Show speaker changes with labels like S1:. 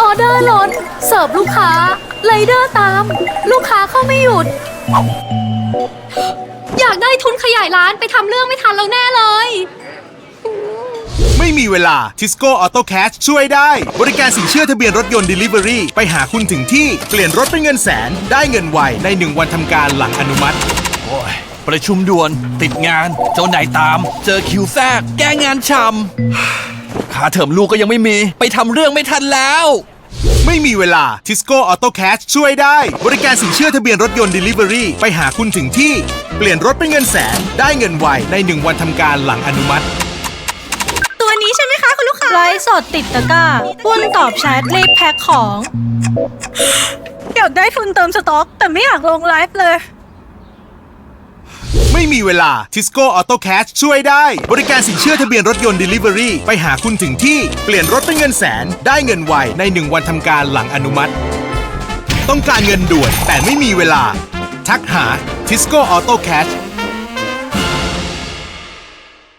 S1: อเดอร์ล้นเสิร์ฟลูกค้าไรเดอร์ตาม ลูกค้าเข้าไม่หยุด อยากได้ทุนขยายร้านไปทำเรื่องไม่ทันแล้วแน่เลย
S2: ไม่มีเวลา Tisco Auto Cash ช่วยได้ บริการสินเชื่อทะเบียนรถยนต์ Delivery ไปหาคุณถึงที่เปลี่ยนรถเป็นเงินแสนได้เงินไวใน1 วันทำการหลังอนุมัติ
S3: โอ้ยประชุมด่วนติดงานเจ้านายตาม เจอคิวแทรกแก้งานช่ำค่าเทอมลูกก็ยังไม่มีไปทำเรื่องไม่ทันแล้ว
S2: ไม่มีเวลา Tisco Auto Cash ช่วยได้ บริการสินเชื่อทะเบียนรถยนต์ Delivery ไปหาคุณถึงที่เปลี่ยนรถเป็นเงินแสนได้เงินไวใน1 วันทำการหลังอนุมัติ
S4: ตัวนี้ใช่ไหมคะคุณลูกค้า
S1: ไลฟ์สดติดตะกร้าปุ้นตอบแชทรีบแพ็คของ
S4: อยากได้ทุนเติมสต็อก แต่ไม่อยากลงไลฟ์เลย
S2: ไม่มีเวลา Tisco Auto Cash ช่วยได้ บริการสินเชื่อทะเบียนรถยนต์ Delivery ไปหาคุณถึงที่เปลี่ยนรถเป็นเงินแสนได้เงินไวใน1 วันทำการหลังอนุมัติ ต้องการเงินด่วนแต่ไม่มีเวลา ทักหา Tisco Auto Cash